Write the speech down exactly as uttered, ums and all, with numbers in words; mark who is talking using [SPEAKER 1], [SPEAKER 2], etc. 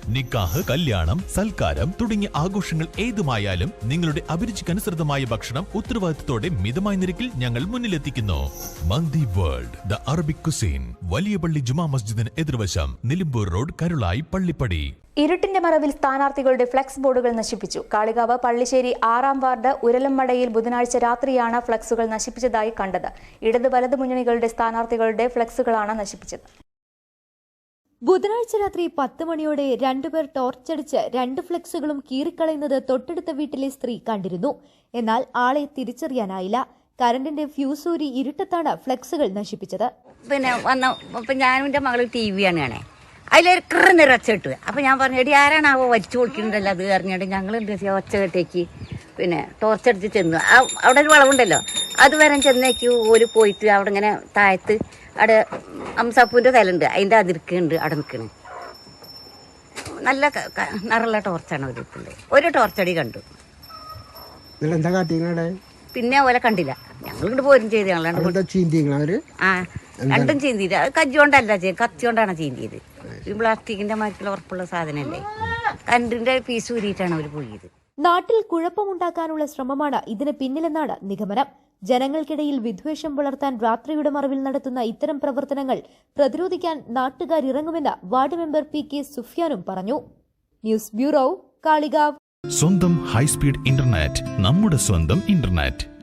[SPEAKER 1] നിക്കാഹ്, കല്യാണം, സൽക്കാരം തുടങ്ങിയ ആഘോഷങ്ങൾ ഏതുമായാലും നിങ്ങളുടെ അഭിരുചിക്കനുസൃതമായ ഭക്ഷണം ഉത്തരവാദിത്തത്തോടെ മിതമായ നിരക്കിൽ ഞങ്ങൾ മുന്നിലെത്തിക്കുന്നു. Mandi world, the Arabic cuisine, വലിയ പള്ളി ജുമാ മസ്ജിദിന് എതിർവശം, നിലമ്പൂർ റോഡ്, കരുളായി, പള്ളിപ്പടി.
[SPEAKER 2] ഇരുട്ടിന്റെ മറവിൽ സ്ഥാനാർത്ഥികളുടെ ഫ്ലെക്സ് ബോർഡുകൾ നശിപ്പിച്ചു. കാളികാവ് പള്ളിശ്ശേരി ആറാം വാർഡ് ഉരലമ്മടയിൽ ബുധനാഴ്ച രാത്രിയാണ് ഫ്ലെക്സുകൾ നശിപ്പിച്ചതായി കണ്ടത്. ഇടത് വലത് മുന്നണികളുടെ സ്ഥാനാർത്ഥികളുടെ ഫ്ലെക്സുകളാണ് നശിപ്പിച്ചത്.
[SPEAKER 3] ബുധനാഴ്ച രാത്രി പത്ത് മണിയോടെ രണ്ടുപേർ ടോർച്ചടിച്ച് രണ്ട് ഫ്ലെക്സുകളും കീറിക്കളയുന്നത് തൊട്ടടുത്ത വീട്ടിലെ സ്ത്രീ കണ്ടിരുന്നു. എന്നാൽ ആളെ തിരിച്ചറിയാനായില്ല. കറണ്ടിന്റെ ഫ്യൂസൂരി ഇരുട്ടത്താണ് ഫ്ലെക്സുകൾ നശിപ്പിച്ചത്.
[SPEAKER 4] പിന്നെ വന്ന ഞാനും എൻ്റെ മകള് ടി വിയാണ് കാണേ, അതിലൊരു കൃന്ന് ഒച്ച അപ്പോൾ ഞാൻ പറഞ്ഞു, എടി ആരാണാവോ വലിച്ചു കൊടുക്കുന്നുണ്ടല്ലോ അത് അറിഞ്ഞിട്ട് ഞങ്ങൾ എന്ത് ചെയ്യാം, ഒച്ച കെട്ടേക്ക് പിന്നെ ടോർച്ചടിച്ച് ചെന്നു. അവിടെ ഒരു വളവുണ്ടല്ലോ, അത് വരെ ചെന്നേക്ക് ഒരു പോയിട്ട് അവിടെ ഇങ്ങനെ താഴത്ത് അവിടെ അംസാപ്പൂൻ്റെ തലുണ്ട്, അതിൻ്റെ അതിർക്കുണ്ട് അവിടെ നിൽക്കണ്. നല്ല നിറള്ള ടോർച്ചാണ് ഒരു ഒരു ടോർച്ചടി കണ്ടു. പിന്നെ ഓലെ കണ്ടില്ല. ഞങ്ങൾ ഇങ്ങോട്ട് പോരും ചെയ്ത് ഞങ്ങൾ ആ രണ്ടും ചീന്തിയില്ല. അത് കജ്ജോണ്ടല്ല ചെയ്യും, കത്തിയോണ്ടാണ് ചീന്തിയത്. ഈ പ്ലാസ്റ്റിക്കിന്റെ മാറ്റിൽ ഉറപ്പുള്ള സാധനമല്ലേ, കണ്ടിന്റെ പീസ് ഊരിയിട്ടാണ് അവർ പോയത്.
[SPEAKER 3] നാട്ടിൽ കുഴപ്പമുണ്ടാക്കാനുള്ള ശ്രമമാണ് ഇതിന് പിന്നിലെന്നാണ് നിഗമനം. ജനങ്ങൾക്കിടയിൽ വിദ്വേഷം പുലർത്താൻ രാത്രിയുടെ മറവിൽ നടത്തുന്ന ഇത്തരം പ്രവർത്തനങ്ങൾ പ്രതിരോധിക്കാൻ നാട്ടുകാരിറങ്ങുമെന്ന് വാർഡ് മെമ്പർ പി കെ സുഫിയാനും പറഞ്ഞു. News bureau, Kalikavu.
[SPEAKER 1] സ്വന്തം ഹൈസ്പീഡ് ഇന്റർനെറ്റ്, നമ്മുടെ സ്വന്തം ഇന്റർനെറ്റ്.